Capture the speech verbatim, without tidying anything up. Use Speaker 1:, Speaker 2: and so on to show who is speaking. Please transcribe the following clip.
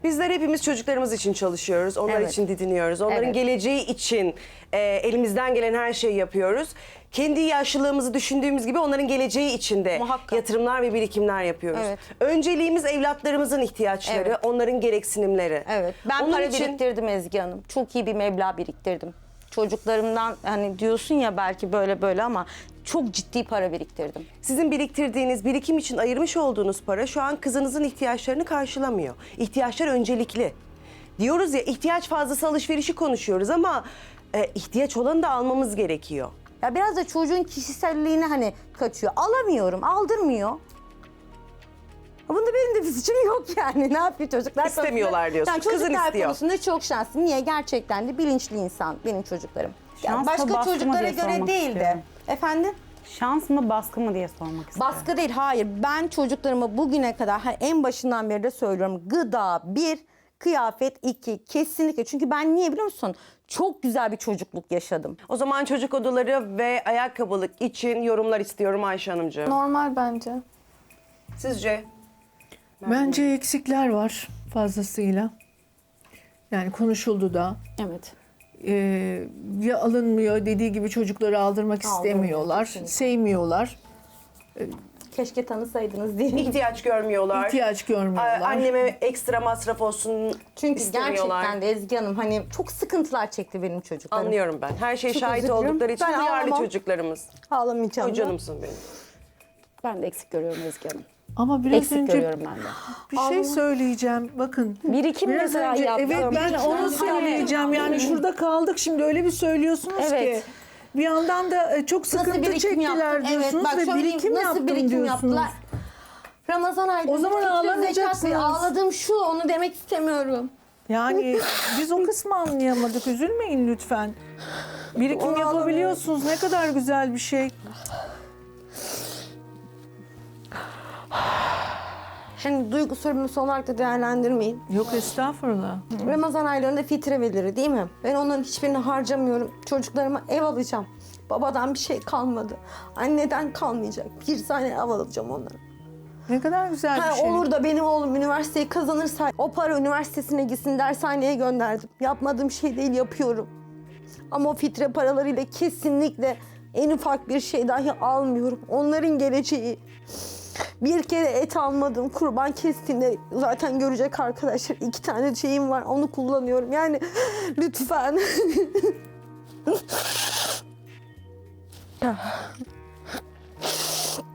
Speaker 1: Bizler hepimiz çocuklarımız için çalışıyoruz, onlar
Speaker 2: Evet.
Speaker 1: için didiniyoruz, onların
Speaker 2: Evet.
Speaker 1: geleceği için e, elimizden gelen her şeyi yapıyoruz. Kendi yaşlılığımızı düşündüğümüz gibi onların geleceği için de
Speaker 2: Muhakkak.
Speaker 1: yatırımlar ve birikimler yapıyoruz.
Speaker 2: Evet.
Speaker 1: Önceliğimiz evlatlarımızın ihtiyaçları,
Speaker 2: Evet.
Speaker 1: onların gereksinimleri.
Speaker 2: Evet. Ben
Speaker 1: Onun
Speaker 2: para
Speaker 1: için-
Speaker 2: biriktirdim Ezgi Hanım. Çok iyi bir meblağ biriktirdim. Çocuklarımdan hani diyorsun ya belki böyle böyle ama çok ciddi para biriktirdim.
Speaker 1: Sizin biriktirdiğiniz, birikim için ayırmış olduğunuz para şu an kızınızın ihtiyaçlarını karşılamıyor. İhtiyaçlar öncelikli. Diyoruz ya, ihtiyaç fazlası alışverişi konuşuyoruz ama e, ihtiyaç olanı da almamız gerekiyor.
Speaker 2: Ya biraz da çocuğun kişiselliğine hani kaçıyor. Alamıyorum, aldırmıyor. Bunda benim de bir suçum yok yani. Ne yapıyor çocuklar?
Speaker 1: İstemiyorlar diyorsun.
Speaker 2: Yani
Speaker 1: Kızın
Speaker 2: çocuklar
Speaker 1: istiyor.
Speaker 2: konusunda çok şanslı. Niye? Gerçekten de bilinçli insan benim çocuklarım. Yani
Speaker 3: Şans mı,
Speaker 2: başka
Speaker 3: baskı mı
Speaker 2: çocuklara
Speaker 3: diye
Speaker 2: göre
Speaker 3: sormak
Speaker 2: değil de.
Speaker 3: istiyorum.
Speaker 2: Efendim?
Speaker 3: Şans mı baskı mı diye sormak istiyorum.
Speaker 2: Baskı değil, hayır. Ben çocuklarıma bugüne kadar hani en başından beri de söylüyorum. Gıda bir, kıyafet iki. Kesinlikle. Çünkü ben niye biliyor musun? Çok güzel bir çocukluk yaşadım.
Speaker 1: O zaman çocuk odaları ve ayakkabılık için yorumlar istiyorum Ayşe Hanımcığım.
Speaker 4: Normal bence.
Speaker 1: Sizce?
Speaker 5: Bence eksikler var fazlasıyla. Yani konuşuldu da.
Speaker 2: Evet.
Speaker 5: Ee, ya alınmıyor, dediği gibi çocukları aldırmak istemiyorlar,
Speaker 2: kesinlikle.
Speaker 5: sevmiyorlar,
Speaker 2: Keşke tanısaydınız diye.
Speaker 1: İhtiyaç görmüyorlar.
Speaker 5: ihtiyaç
Speaker 1: A-
Speaker 5: görmüyorlar.
Speaker 1: Anneme ekstra masraf olsun
Speaker 2: Çünkü
Speaker 1: istemiyorlar.
Speaker 2: gerçekten de Ezgi Hanım hani çok sıkıntılar çekti benim çocuklarım.
Speaker 1: Anlıyorum ben. Her şey
Speaker 2: Çok
Speaker 1: şahit
Speaker 2: özür dilerim.
Speaker 1: oldukları için
Speaker 2: Ben
Speaker 1: duyarlı
Speaker 2: ağlamam.
Speaker 1: çocuklarımız.
Speaker 2: Ağlamayacağım.
Speaker 1: O
Speaker 2: da.
Speaker 1: canımsın benim.
Speaker 6: Ben de eksik görüyorum Ezgi Hanım.
Speaker 5: Ama biraz
Speaker 6: Eksik
Speaker 5: önce
Speaker 6: görüyorum ben de.
Speaker 5: bir şey söyleyeceğim. Bakın.
Speaker 6: Birikim
Speaker 5: biraz
Speaker 6: mesela
Speaker 5: önce,
Speaker 6: yaptım.
Speaker 5: evet ben onu söyleyeceğim. Yani şurada kaldık şimdi öyle bir söylüyorsunuz
Speaker 2: Evet.
Speaker 5: ki. Bir yandan da e, çok
Speaker 2: Nasıl
Speaker 5: sıkıntı
Speaker 2: birikim
Speaker 5: çektiler
Speaker 2: yaptım?
Speaker 5: diyorsunuz
Speaker 2: Evet, bak
Speaker 5: ve
Speaker 2: söyleyeyim,
Speaker 5: birikim
Speaker 2: nasıl
Speaker 5: yaptım
Speaker 2: birikim
Speaker 5: diyorsunuz.
Speaker 2: yaptılar? Ramazan ayında.
Speaker 5: O zaman
Speaker 2: fikir
Speaker 5: ağlamayacaksınız.
Speaker 2: zekatı Ağladım şu, onu demek istemiyorum.
Speaker 5: Yani biz o kısmı anlayamadık. Üzülmeyin lütfen. Birikim
Speaker 2: Onu
Speaker 5: yapabiliyorsunuz. Ne kadar güzel bir şey.
Speaker 2: Hani duygu sorumlusu olarak da değerlendirmeyin.
Speaker 5: Yok estağfurullah.
Speaker 2: Ramazan aylarında fitre verilir değil mi? Ben onların hiçbirini harcamıyorum. Çocuklarıma ev alacağım. Babadan bir şey kalmadı. Anneden kalmayacak. Bir tane ev alacağım onlara.
Speaker 5: Ne kadar güzel
Speaker 2: Ha,
Speaker 5: bir şey.
Speaker 2: olur da benim oğlum üniversiteyi kazanırsa o para üniversitesine gitsin dershaneye gönderdim. Yapmadığım şey değil, yapıyorum. Ama o fitre paralarıyla kesinlikle en ufak bir şey dahi almıyorum. Onların geleceği. Bir kere et almadım. Kurban kestiğinde zaten görecek arkadaşlar. İki tane şeyim var. Onu kullanıyorum. Yani lütfen.